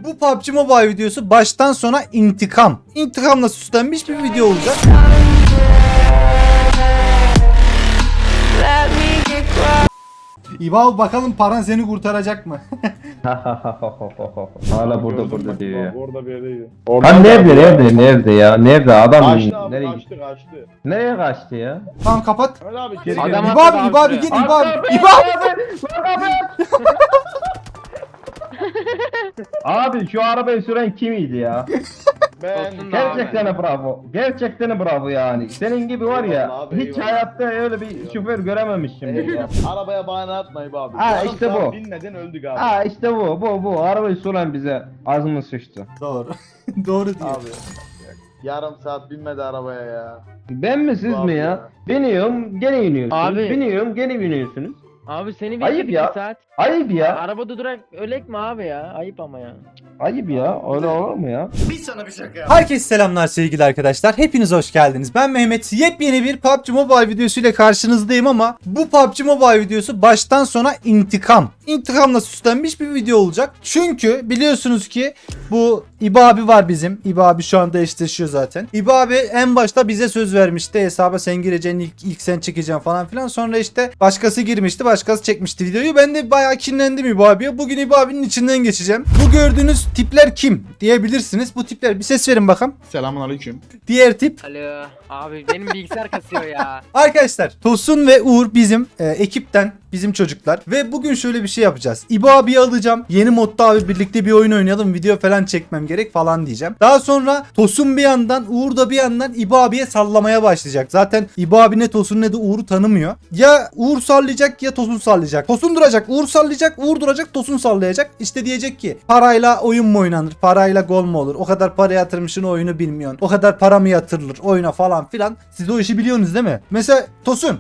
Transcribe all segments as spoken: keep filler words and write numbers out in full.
Bu P U B G Mobile videosu baştan sona intikam. İntikamla süslenmiş bir video olacak. İba bakalım paran seni kurtaracak mı? Hala burada burada diyor ya. Orada bir yerdeydi. Ha nerede nerede nerede ya? Nerede adam? Kaçtı abi, Nereye kaçtı kaçtı. Nereye kaçtı ya? Tamam kapat. Öyle abi geri Adam- gel. İba abi, İba abi gel İba abi. İba abi. Abi şu arabayı süren kimiydi ya? Ben Gerçekten bravo. Gerçekten bravo yani. Senin gibi var ya Eyvallah abi, hiç eyvallah. hayatta öyle bir şoför görememişim. Eyvallah. Arabaya bahane atma İba abi. Ha, Yarım işte saat bu. Binmeden öldük abi. Ha işte bu bu bu arabayı süren bize ağzımız sıçtı. Doğru. Doğru diyor. Abi. Yarım saat binmedi arabaya ya. Ben mi siz Abi mi ya? ya. Biniyorum gene iniyorsunuz. Abi. Biniyorum gene biniyorsunuz. Abi seni Ayıp bekledik ya. bir saat. Ayıp ya. Arabada durak ölek mi abi ya? Ayıp ama ya. Ayıp ya. Öyle olur mu ya? Herkese selamlar sevgili arkadaşlar. Hepiniz hoş geldiniz. Ben Mehmet. Yepyeni bir P U B G Mobile videosu ile karşınızdayım ama bu P U B G Mobile videosu baştan sona intikam. İntikamla süslenmiş bir video olacak. Çünkü biliyorsunuz ki bu İba abi var bizim. İba abi şu anda eşleşiyor zaten. İba abi en başta bize söz vermişti. Hesaba sen gireceksin, ilk, ilk sen çekeceksin falan filan. Sonra işte başkası girmişti, başkası çekmişti videoyu. Ben de bayağı kinlendim İba abiye. Bugün İba abinin içinden geçeceğim. Bu gördüğünüz tipler kim diyebilirsiniz. Bu tipler bir ses verin bakalım. Selamun aleyküm. Diğer tip Alo. Abi benim bilgisayar kasıyor ya. arkadaşlar Tosun ve Uğur bizim e, ekipten, bizim çocuklar ve bugün şöyle bir şey yapacağız. İbo abiyi alacağım. Yeni modda abi birlikte bir oyun oynayalım. Video falan çekmem gerek falan diyeceğim. Daha sonra Tosun bir yandan, Uğur da bir yandan İbo abiye sallamaya başlayacak. Zaten İbo abi ne Tosun ne de Uğur'u tanımıyor. Ya Uğur sallayacak ya Tosun sallayacak. Tosun duracak, Uğur sallayacak, Uğur duracak, Tosun sallayacak. İşte diyecek ki parayla oyun mu oynanır? Parayla gol mu olur? O kadar para yatırmışsın oyunu bilmiyorsun. O kadar para mı yatırılır oyuna falan filan. Siz o işi biliyorsunuz değil mi? Mesela Tosun.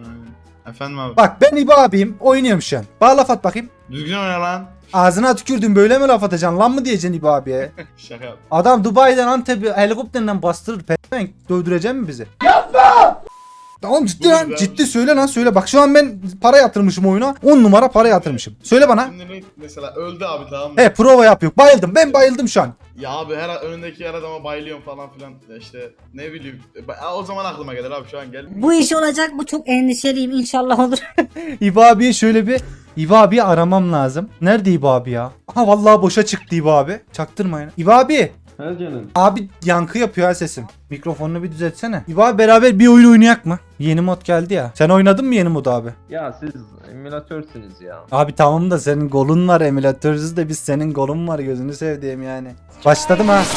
Efendim abi. Bak ben İbo abiyim. Oynuyorum şu an. Bana laf at bakayım. Düzgün oyna lan. Ağzına tükürdün böyle mi laf atacaksın? Lan mı diyeceksin İbo abiye? Şaka yap. Adam Dubai'den Antep'i helikopterden bastırır. Peşmen dövdürecek mi bizi? Yapma! Tamam ciddi lan. Buyur, Ciddi söyle lan söyle. Bak şu an ben para yatırmışım oyuna. on numara para yatırmışım. Söyle bana. Şimdi ne- mesela öldü abi tamam mı? He prova yapıyor. Bayıldım. Ben bayıldım şu an. Ya abi her önündeki her adama bayılıyorum falan filan. Ya işte ne bileyim. E, O zaman aklıma gelir abi şu an gel. Bu iş olacak mı? Çok endişeliyim. İnşallah olur. İbo abiye şöyle bir İbo abiyi aramam lazım. Nerede İbo abi ya? Aha vallahi boşa çıktı İbo abi. Çaktırmayın. İbo abi. He canım. Abi yankı yapıyor ha sesim. Mikrofonunu bir düzeltsene. İbo abi beraber bir oyun oynayak mı? Yeni mod geldi ya. Sen oynadın mı yeni modu abi? Ya siz emülatörsünüz ya. Abi tamam da senin golün var, emülatörsüz de biz senin golün var, gözünü sevdiğim yani. Başladım ha.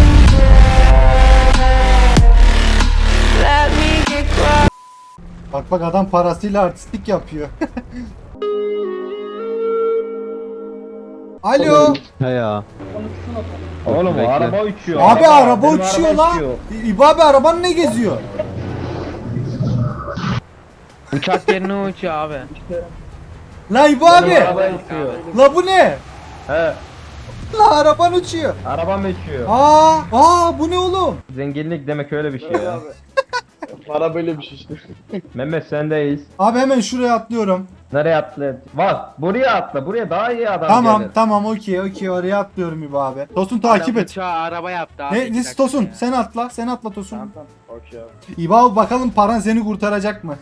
Bak bak adam parasıyla artistlik yapıyor. Alo. He ya. Oğlum o araba uçuyor. Abi araba Benim uçuyor araba lan. uçuyor. İbo abi araban ne geziyor? Uçak yerine uçuyor abi. La İbo Benim abi. araba uçuyor. La bu ne? He. La araban uçuyor. Arabam uçuyor. Aa, aa bu ne oğlum? Zenginlik demek öyle bir şey Öyle ya. abi. Para böyle bir şey işte. Mehmet sendeyiz. Abi hemen şuraya atlıyorum. Nereye atla? Bak buraya atla. Buraya daha iyi adam Tamam gelir. tamam okey okey oraya atlıyorum İbo abi. Tosun takip Adam et. uçağı araba yaptı abi. Ne, iki ne dakika Tosun ya. sen atla sen atla Tosun. Tamam tamam. Okey abi. İbo abi bakalım paran seni kurtaracak mı?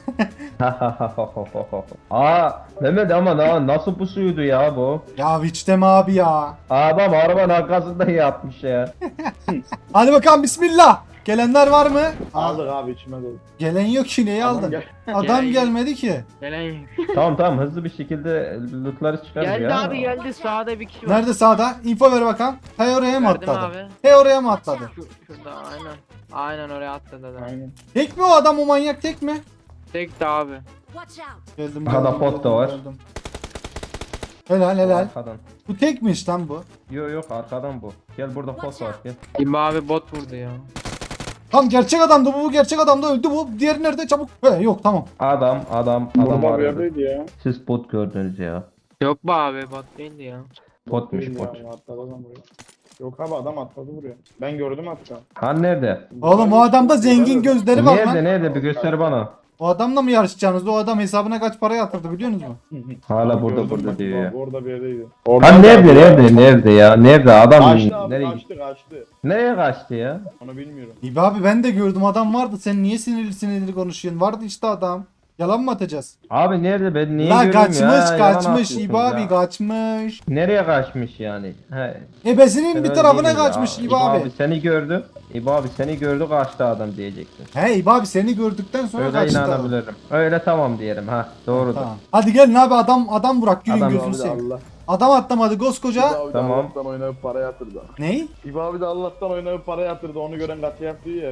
Aa Mehmet ama na- nasıl pusuydu ya bu? Ya hiç deme abi ya. Adam arabanın arkasında yatmış ya. Hadi bakalım bismillah. Gelenler var mı? Aa, Aldık abi içime doldu. gelen yok ki neyi Adam aldın? gel- Adam Gelen- gelmedi ki. Gelen Tamam tamam hızlı bir şekilde lootları çıkarız geldi ya. abi geldi sağda bir kişi var. Nerede sağda? İnfo ver bakalım. He oraya mı Verdim atladı? abi. He oraya mı atladı? Şu, şurada aynen. Aynen oraya atladı da. Aynen. Tek mi o adam o manyak tek mi? Tek de abi. Watch out. Geldim Aha da geldim, pot da geldim, var. geldim. Helal helal. Arkadan. Bu tekmiş lan bu. Yok yok arkadan bu. Gel burada pot var gel. İmba abi bot vurdu ya. Tam gerçek adamdı bu, bu gerçek adamdı öldü bu. Diğeri nerede çabuk? He yok tamam. Adam adam adam Burada bir arıyordu. yerdeydi ya. Siz bot gördünüz ya. Yok be abi bot değildi ya. Botmuş Değil bot. ya, atladı adam buraya. Yok abi adam atladı buraya. Ben gördüm hatta. Han nerede? Oğlum o adamda zengin gözleri var Nerede lan. nerede bir göster bana. O adamla mı yarışacaksınız? O adam hesabına kaç para yatırdı biliyor musunuz? Hala burada Gördüm burada bak, diyor ya. Orada bir yerdeydi. Lan nerede nerede nerede ya? Nerede adam Kaçtı abi nereye kaçtı kaçtı. nereye kaçtı ya? Onu bilmiyorum. İbi abi ben de gördüm adam vardı. Sen niye sinirli sinirli konuşuyorsun? Vardı işte adam. Yalan mı atacağız? Abi nerede ben niye La görüyorum kaçmış ya? Yalan kaçmış atıyorsun İbi abi ya. kaçmış. Nereye kaçmış yani? He. Ebesinin sen bir öyle tarafına değildin ya. kaçmış İbi İbo abi. seni gördü. İbo abi seni gördü kaçtı adam diyecektin. He İbi abi seni gördükten sonra Öyle kaçtı. adam. inanabilirim. Öyle tamam diyelim ha. Doğrudur. Tamam. Hadi gelin abi adam adam Burak gülün Adam- gözünü İbo abi de seveyim. Allah. Adam atlamadı koskoca. İbo abi de Tamam. Allah'tan oynayıp para yatırdı. Ney? İbo abi de Allah'tan oynayıp para yatırdı. Onu gören kaçı yaptı ya.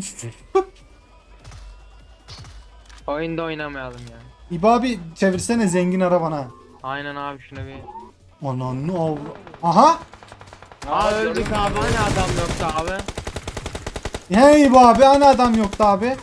Oyunda oynamayalım ya. İbi abi çevirsene zengin arabana. Aynen abi şuna bir. Ananı avra. Aha. Aa öldük abi hani adam yoktu abi. Hey İbi abi hani adam yoktu abi.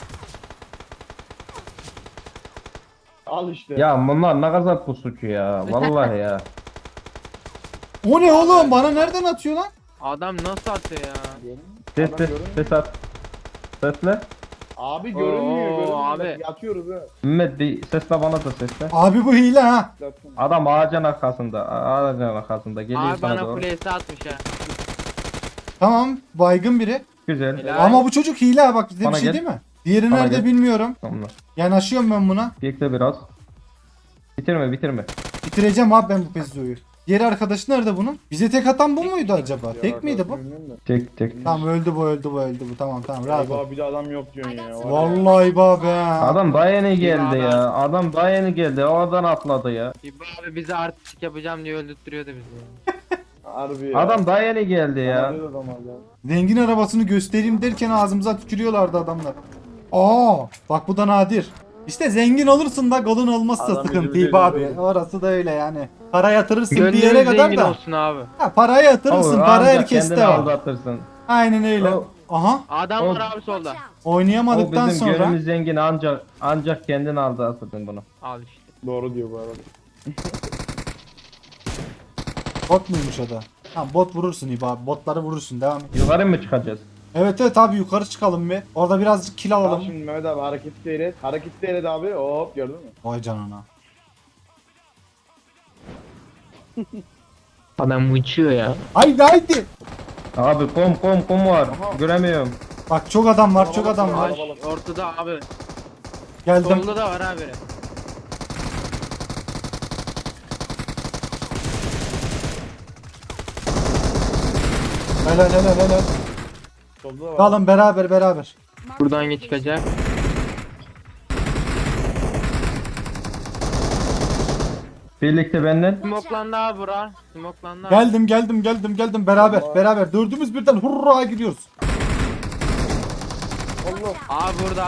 Al işte. Ya bunlar ne kadar pusucu ya. Vallahi ya. O ne oğlum bana nereden atıyor lan? Adam nasıl atıyor ya? Ses Adam ses görünmüyor. ses at. Sesle. Abi görünmüyor Oo, görünmüyor. abi. Yatıyoruz ha. Mehmet bir sesle bana da sesle. Abi bu hile ha. Zaten. Adam ağacın arkasında. a- Ağacın arkasında. Geliyor Abi sana bana doğru. kulesi atmış ha. Tamam baygın biri. Güzel. Helal. Ama bu çocuk hile ha bak size Bana bir şey gel. değil mi? Diğeri Bana nerede gel. bilmiyorum. Tamam. Yanaşıyorum ben buna. Bekle biraz. Bitirme bitirme. Bitireceğim abi ben bu Pezzo'yu. Diğer arkadaşı nerede bunun? Bize tek atan bu muydu acaba? Ya, Tek miydi bu? bilmiyorum da. Tek tek. Tamam öldü bu öldü bu öldü bu tamam tamam rahat İbo ol. abi de adam yok diyorsun ya. var ya. Vallahi be ha. Adam daha yeni geldi adam. ya. Adam daha yeni geldi. Oradan atladı ya. İbo abi bizi artistik yapacağım diye öldürtüyordu bizi. Harbi ya. Adam daha yeni geldi ya. Adam adam hala. Zengin arabasını göstereyim derken ağzımıza tükürüyorlardı adamlar. Aa bak bu da nadir. İşte zengin olursun da golün olmazsa Adam sıkıntı gözü İbi abi. gözü. Orası da öyle yani. Para yatırırsın bir Gönlünüz yere kadar zengin da. olsun abi. Ha, parayı yatırırsın Olur, para ancak herkeste kendini var. aldatırsın. Aynen öyle. O- Aha Adam O- var abi solda. O oynayamadıktan bizim sonra. gönlümüz zengin ancak ancak kendini aldatırsın bunu. Al işte. Doğru diyor bu arada. Bot muymuş o da? Tamam bot vurursun İbi abi. Botları vurursun devam et. Yukarı mı çıkacağız? Evet evet abi yukarı çıkalım bir. Orada birazcık kill Tamam alalım. şimdi Mehmet abi hareket seyret. Hareket seyret abi. Hop gördün mü? Vay canına. Adam uçuyor ya. Haydi haydi. Abi kom kom kom var. Göremiyorum. Bak çok adam var çok adam var. Ay, ortada abi. Geldim. Solda da var abi. Helal helal helal. Solda da var. Kalın beraber beraber. Buradan geç çıkacak. Birlikte benden. Smoklandı abi bura. Smoklandı abi. Geldim geldim geldim geldim beraber beraber. Dördümüz birden hurra giriyoruz. Abi burada.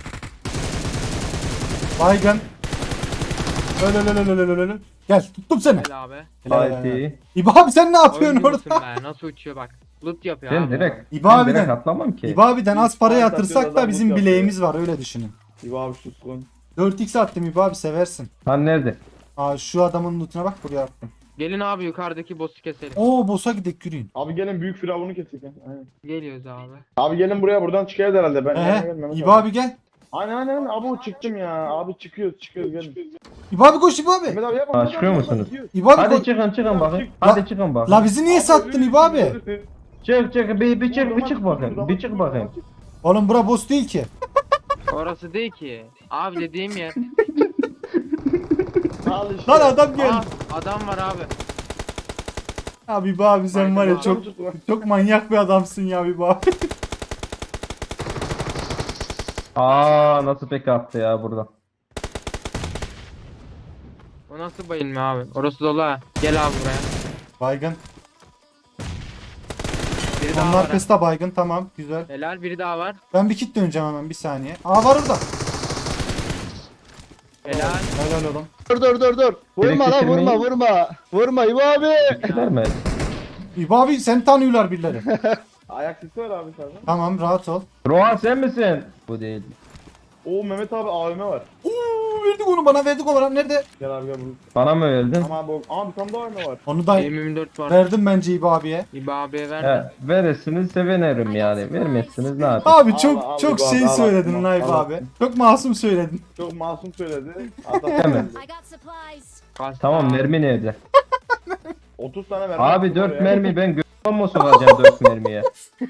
Baygın. Öyle öyle öyle öyle öyle. Gel tuttum seni. Gel abi. Helal, helal. Haydi. İbo abi sen ne yapıyorsun Oyuncu musun orada? be? Nasıl uçuyor bak. Loot yapıyor Ben abi. direkt. İbo ben abiden- direkt atlamam ki. İbo abiden az para Ay, yatırsak satıyor, da adam bizim loot bileğimiz var öyle düşünün. İbo abi susun. dört x attım İbo abi seversin. Lan nerede? Aa şu adamın lootuna bak buraya attım. Gelin abi yukarıdaki boss'u keselim. Oo boss'a gidek yürüyün. Abi gelin büyük firavunu kesik. Aynen. Geliyoruz abi. Abi gelin buraya buradan çıkıyoruz herhalde. Ben Ee, gelmem. İbo abi gel. Aynen aynen aynen. Abi o çıktım ya. Abi çıkıyoruz çıkıyoruz gelin. İbo abi koş İbo abi. Mehmet abi yapma. Ha, Mehmet çıkıyor abi, yapma, musunuz? gidiyoruz. İbo abi Hadi koş. çıkın çıkın bakın. çık. Hadi çıkın bakın. La bizi niye sattın İbo abi? ölürsün. Çık çık bir, bir çık bir Vurma, çık bakayım. vurma, Bir çık vurma, bakayım. vurma. Oğlum bura boss değil ki. Orası değil ki. Abi dediğim yer. Al işte. Lan adam Aa, geldi. adam var abi. Abi İbo abi sen var ya Adam çok çok manyak bir adamsın ya İbo abi. Aa nasıl pek attı ya burada. O nasıl bayılma abi? Orası dolu ha. Gel abi buraya. Baygın. Biri daha Onun var. ha. arkası da baygın tamam güzel. Helal biri daha var. Ben bir kit döneceğim hemen bir saniye. Aa var orada. Helal. Helal oğlum. Dur dur dur dur. Vurma lan Gerekirse vurma mi? vurma. Vurma İbo abi. Gider mi? İbo abi sen tanıyorlar birileri. Ayak sesi var abi sende. Tamam rahat ol. Rohan sen misin? Bu değil. Oo Mehmet abi A V M var. Oo verdik onu bana verdik onu. Nerede? Gel abi gel bunu. Bana mı öldün? Ama abi, ama bir tane daha mı var? Onu da M yirmi dört var. verdim bence İbo abiye. İbo abiye ver. He, verirsiniz sevinirim yani. Vermezsiniz ne yapayım? Abi Al, çok al, çok İbo abi, şey al, söyledin al, lan İbo al. abi. Çok masum söyledin. Çok masum söyledi. Adam Hemen. I got supplies. Kaç Tamam tane? mermi nerede? otuz tane mermi. Abi attım dört oraya. mermi ben gö***üm mu sokacağım dört mermiye?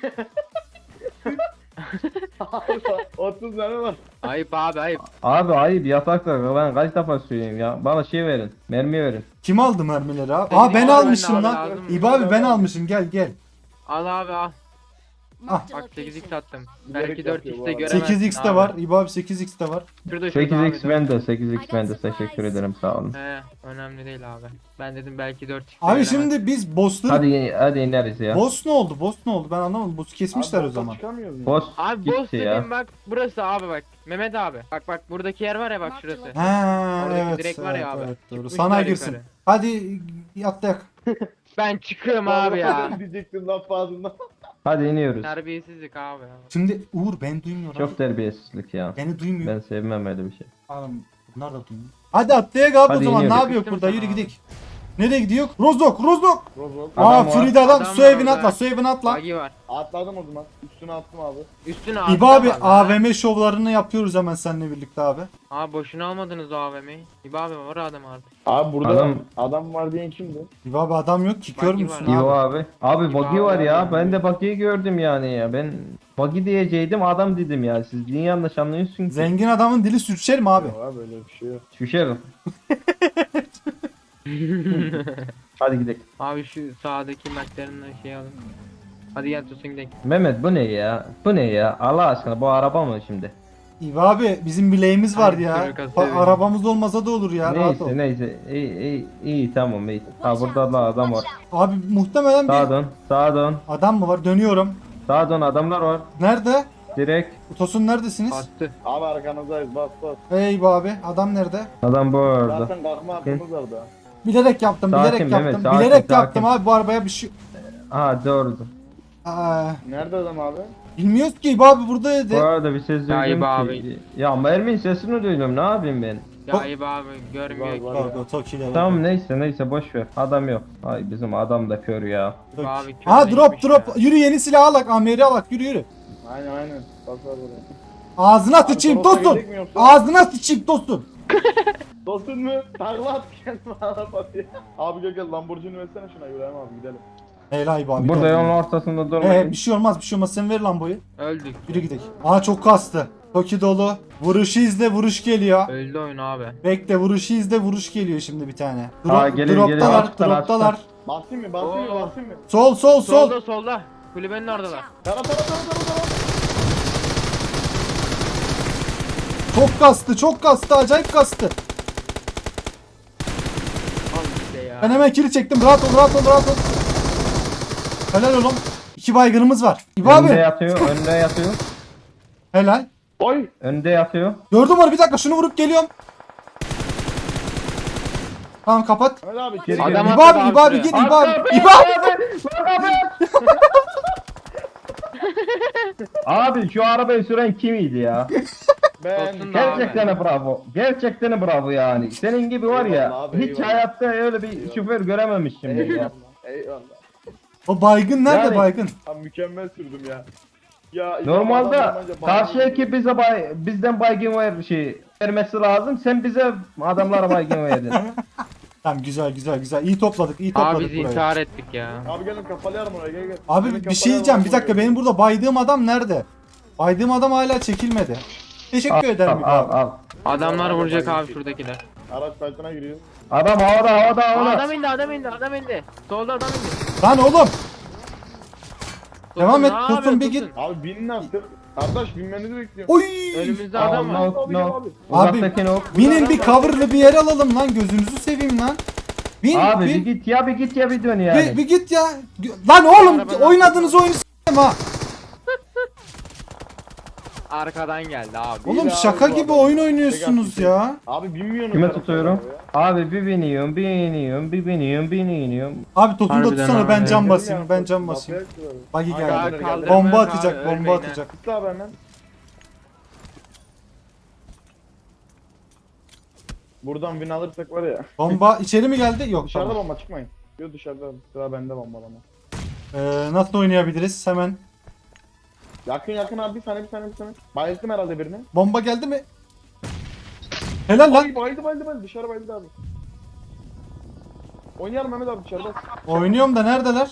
otuz tane var. Ayıp abi ayıp. Abi ayıp yatakta ben kaç defa söyleyeyim ya. Bana şey verin. Mermi verin. Kim aldı mermileri abi? Senin Aa ben abi, almışım ben de lan. aldım. İbo abi ben almışım gel gel. Al abi al. Marked a Bak sekiz x location. attım. Gerek Belki yok dört ya bu x'te arada. göremezsin sekiz x de abi. var. İbo abi sekiz x de var. Şurada şurada sekiz x abi. bende sekiz x bende teşekkür ederim sağ olun. He önemli değil abi. Ben dedim belki dört x'te Abi göremezsin. şimdi biz boss'ları... Hadi hadi ineriz ya. Boss ne oldu? Boss ne oldu? Ben anlamadım. Boss'u kesmişler Abi, o zaman. Çıkamıyoruz mu? Boss Abi boss gitti ya. dediğim bak burası abi bak. Mehmet abi. Bak bak buradaki yer var ya bak şurası. Ha Oradaki evet. direk var ya evet, abi. evet, doğru. Çıkmışlar Sana girsin. yukarı. Hadi atlayak. Ben çıkıyorum abi ya. Diyecektim laf ağzından. Hadi iniyoruz. Terbiyesizlik abi ya. Şimdi Uğur ben duymuyorum. Çok terbiyesizlik ya. Beni duymuyor. Ben sevmem öyle bir şey. Oğlum, bunlar da duymuyor. Hadi atlayak abi o Hadi zaman. Ne iniyoruz. yapıyor Sıkıştım burada? sana Yürü abi. gidelim. Nereye gidiyor? Rozok, Rozok. Rozok. Aa Adam var. Frida adam. Adam Su var evine orada. atla, su evine atla. Bagi var. Atladım o zaman. Üstüne attım abi. Üstüne abi. İbo abi A V M şovlarını yapıyoruz hemen seninle birlikte abi. Abi boşuna almadınız o A V M'yi. İbo abi var adam artık. Abi burada Adam- adam, var diyen kimdi? İbo abi adam yok ki kör Buggy müsün var. İyi abi? abi. Abi buggy abi, var ya. abi. Ben de buggy'yi gördüm yani ya. Ben buggy diyeceydim adam dedim ya. Siz niye yanlış anlıyorsun ki? Zengin adamın dili sürçer mi abi? Yok abi öyle bir şey yok. Şüşerim. Hadi gidelim. Abi şu sağdaki McLaren'dan şey alın. Hadi gel tutun gidelim. Mehmet bu ne ya? Bu ne ya? Allah aşkına bu araba mı şimdi? İbo abi bizim bileğimiz var Abi, ya. sürü kasa Ba- evine. arabamız olmasa da olur ya. Rahat ol. Neyse neyse. İyi iyi iyi tamam iyi. Ha burada da adam var. Abi muhtemelen Sağa bir dön. Sağa dön. adam mı var? Dönüyorum. Sağa dön adamlar var. Nerede? Direkt. Tosun neredesiniz? Attı. Abi arkanızdayız bas bas. Hey İbo abi adam nerede? Adam bu arada. Zaten kalkma hakkımız var da. Bilerek yaptım, Sakin bilerek Mehmet, yaptım. sakin, bilerek sakin. yaptım abi bu arabaya bir şey... Ha doğru. Aa, Nerede adam abi? bilmiyoruz ki İbo abi buradaydı. Bu arada bir ses Ya duydum İbo ki. Ya Mermin sesini duydum ne yapayım ben? Ya İbo abi görmüyor Var, ki. var. Pardon Toki'de. Tamam neyse neyse boş ver. Adam yok. Ay bizim adam da kör ya. İbo abi Ha drop körleşmiş drop. ya. Yürü yeni silah alak. Amiri alak. Yürü yürü. Aynen aynen. Bas bas buraya. Ağzına sıçayım Toros'a dostum. gidecek mi yoksa? Ağzına sıçayım dostum. Dostun mu? Takla at kendime arabaya. Abi gel gel Lamborghini versene şuna İbrahim abi gidelim. Helal İbo abi. Burada gel. yolun ortasında Ee, durmayın. bir şey olmaz bir şey olmaz. Sen ver lan boyu. Öldük. Yürü gidelim. Aa çok kastı. Toki dolu. Vuruşu izle vuruş geliyor. Öldü oyun abi. Bekle vuruşu izle vuruş geliyor şimdi bir tane. Dro Aa, gelin, gelin. droptalar Açtılar, droptalar. Basayım mı? Basayım mı? Oo. Basayım mı? Sol sol sol. Solda solda. Kulübenin oradalar. Tara tara tara tara tara. Çok kastı çok kastı acayip kastı. Al işte ya. Ben hemen kili çektim. Rahat ol rahat ol rahat ol. Helal oğlum. İki baygınımız var. İbo Önde abi. yatıyor, önde yatıyor. Helal. Oy. Önde yatıyor. Gördüm onu bir dakika şunu vurup geliyorum. Tamam kapat. Hadi abi. Geri Adam gel. İbo atladı abi İbo abi şuraya. git İbo abi. İbo abi. Abi şu arabayı süren kimiydi ya? Ben. Dostun da- Gerçekten bravo. Gerçekten bravo yani. Senin gibi var ya. Eyvallah abi, Hiç eyvallah. hayatta öyle bir şoför görememiştim ben ya. Eyvallah. Eyvallah. O baygın nerede Yani- baygın? Abi mükemmel sürdüm ya. Ya Normalde adam bence karşı bağlı- ekip bize bay, bizden baygın ver şey vermesi lazım. Sen bize adamlara baygın verdin. Tamam güzel güzel güzel. İyi topladık iyi Abi topladık biz burayı. intihar ettik ya. Abi gelin kafalayalım oraya gel gel. Abi Gelin bir şey diyeceğim bir dakika benim burada baydığım adam nerede? Baydığım adam hala çekilmedi. Teşekkür ederim al, İbo al, abi. al. Adamlar vuracak abi şuradakiler. Araç fight'ına giriyor. Adam havada havada Aa, havada. adam indi adam indi adam indi. Solda adam indi. Lan oğlum. Devam et, ne Tosun, yapıyorsun, bir git. Tosun? Abi binin artık. Kardeş binmenizi bekliyorum. Oy. Önümüzde Al, adam var. no, Abi, no. abi. Uzaktaki no. Binin bir coverlı bir yer alalım lan gözünüzü seveyim lan. Bin Abi bir bin. git ya bir git ya bir dön Bir, yani. bir git ya. Lan oğlum Arabadan- oynadığınız oyunu s**tim ha. Arkadan geldi abi. Oğlum abi şaka bu gibi adam. oyun oynuyorsunuz Tek ya. Abi binmiyorsunuz. Kime arabaya tutuyorum? ya. Abi bir biniyorum, bir iniyorum, bir biniyorum, bir iniyorum. Abi Tosun da Harbiden tutsana abi. ben cam Dedim basayım ya, ben cam lafı basayım. yaktılar. Bagi Abi, geldi. abi, kaldırın. Bomba Abi, atacak bomba ölmeyin ha. atacak. Tut abi hemen. Buradan win alırsak var ya. Bomba içeri mi geldi? Yok Dışarıda tamam. bomba çıkmayın. Yok dışarıda. Sıra bende bombalama. Ee, nasıl oynayabiliriz? Hemen. Yakın yakın abi bir saniye bir saniye bir saniye. Bayıldım herhalde birini. Bomba geldi mi? Helal lan. Ay bayıldı bayıldı bayıldı dışarı bayıldı abi. Oynayalım Mehmet abi dışarıda. Oynuyorum da neredeler?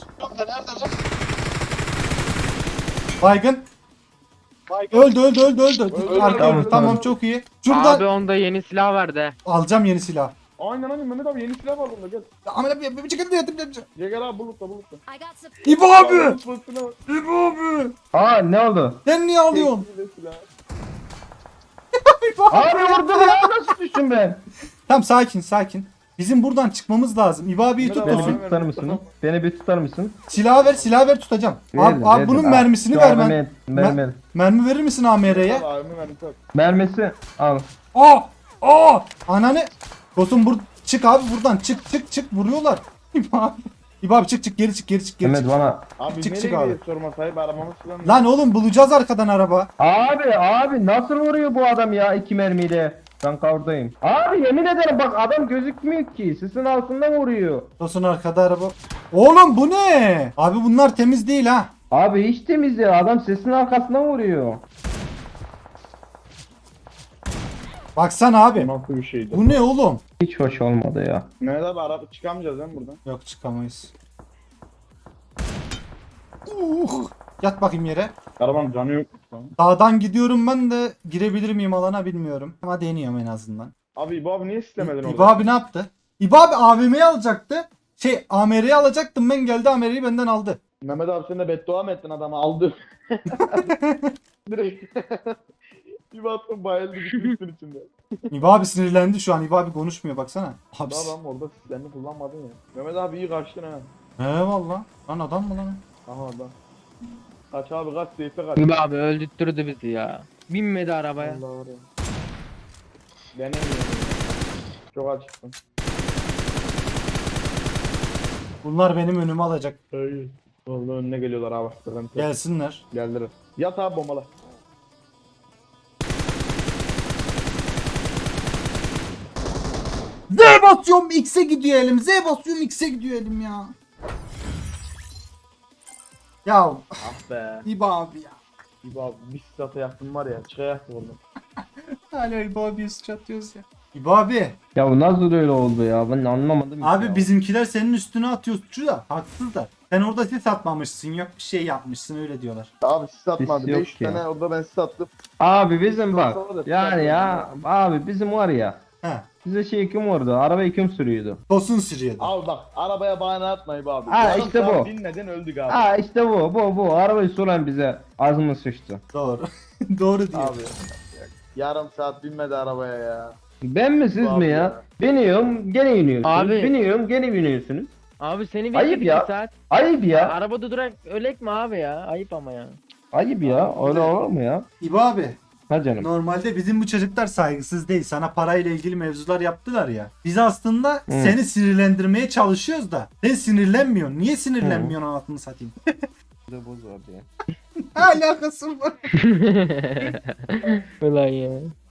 Baygın. Öldü öldü öldü öldü. Öldü, Arka öldü, öldü. Tamam öldü. çok iyi. Şurada Abi onda yeni silah verdi. alacağım yeni silah. Aynen aynen Mehmet abi yeni silah var bunda gel. Aman abi bir çıkın diye yapayım. Gel gel abi bulutla bulutla. I got some. İbo abi. Bulut, bulutuna bak. İbo abi. Aa ne oldu? Sen niye alıyorsun? Keyifli silah. Abi vurdu ya nasıl düştüm ben? Tamam sakin sakin. Bizim buradan çıkmamız lazım. İbo abiyi tut Mehmet Beni abi, Tosun. bir tutar mısın? Beni bir tutar mısın? Silahı ver silahı ver tutacağım. Abi, Verdim, abi verdim. bunun Aa, mermisini şu ver abi ben. mer- Mermi. Mermi verir misin A M R'ye? Abi abimi verdim tak. Mermisi al. Aa! Aa! Ananı. Tosun bur çık abi buradan çık çık çık vuruyorlar. İbo abi. İbo abi çık çık geri çık geri çık geri Mehmet çık. bana. Abi Çık, nereye çık abi. gidiyoruz sorma sahip arabamız falan. Lan oğlum bulacağız arkadan araba. Abi abi nasıl vuruyor bu adam ya iki mermiyle? Ben kavurdayım. Abi yemin ederim bak adam gözükmüyor ki. Sisin altından vuruyor. Tosun arkada araba. Oğlum bu ne? Abi bunlar temiz değil ha. Abi hiç temiz ya. Adam sesin arkasından vuruyor. Baksana abi. Nasıl bir şeydi? Bu ne oğlum? Hiç hoş olmadı ya. Mehmet abi araba çıkamayacağız lan buradan. Yok çıkamayız. Uh, yat bakayım yere. Arabanın canı yok. Dağdan gidiyorum ben de girebilir miyim alana bilmiyorum. Ama deniyorum en azından. Abi İbo abi niye sistemedin orada? İbo abi ne yaptı? İbo abi A V M'yi alacaktı. Şey A M R'yi alacaktım ben geldi A M R'yi benden aldı. Mehmet abi sen de beddua mı ettin adamı aldı. Direkt. Bir baktım bayıldı gitmişsin içinde. İbo abi sinirlendi şu an. İbo abi konuşmuyor baksana. Abi. Daha adam orada sistemini kullanmadın ya. Mehmet abi iyi kaçtın ha. Eyvallah. Lan adam mı lan? Aha adam. Kaç abi kaç seyfe kaç. Gibi abi öldürttürdü bizi ya. Binmedi arabaya. Allah var ya. Denemiyorum. Çok açıktım. Bunlar benim önümü alacak. Hayır. Vallahi önüne geliyorlar abi. Sıkıntı yok. Gelsinler. Geldiler. Yat abi bombala. Z basıyorum X'e gidiyor elim. Z basıyorum X'e gidiyor elim ya. Ya Ah be. İbo abi ya. İbo abi bir sata yaktım var ya. Çıkayaktı oradan. Hala İbo abiye sıçratıyoruz ya. İbo abi. Ya bu nasıl öyle oldu ya? Ben anlamadım. Abi ya. bizimkiler senin üstüne atıyor suçu da. Haksız da. Sen orada sis atmamışsın. Yok bir şey yapmışsın öyle diyorlar. Abi siz atmadı. Biz yok beş ki. tane orada ben siz attım. Abi bizim bak. Sonra da Yani ya çıkartıyorum abi bizim var ya. He. Bize şey kim vurdu? Arabayı kim sürüyordu? Tosun sürüyordu. Abi bak arabaya bahane atma İbo abi. Ha, Yarım işte saat bu. Binmeden öldük abi. Ha işte bu bu bu. Arabayı süren bize ağzımız sıçtı. Doğru. Doğru diyor. Abi. Yarım saat binmedi arabaya ya. Ben mi siz Abi mi ya? ya. Biniyorum gene iniyorsunuz. Abi. Biniyorum gene biniyorsunuz. Abi seni Ayıp bekledik ya. bir saat. Ayıp ya. Arabada durak ölek mi abi ya? Ayıp ama ya. Ayıp ya. Öyle olur mu ya? İbo abi. Ha canım. Normalde bizim bu çocuklar saygısız değil. Sana parayla ilgili mevzular yaptılar ya. Biz aslında seni sinirlendirmeye çalışıyoruz da. Sen sinirlenmiyorsun. Niye sinirlenmiyorsun anasını satayım? Boz abi ya. Alakası var. Ulan ya.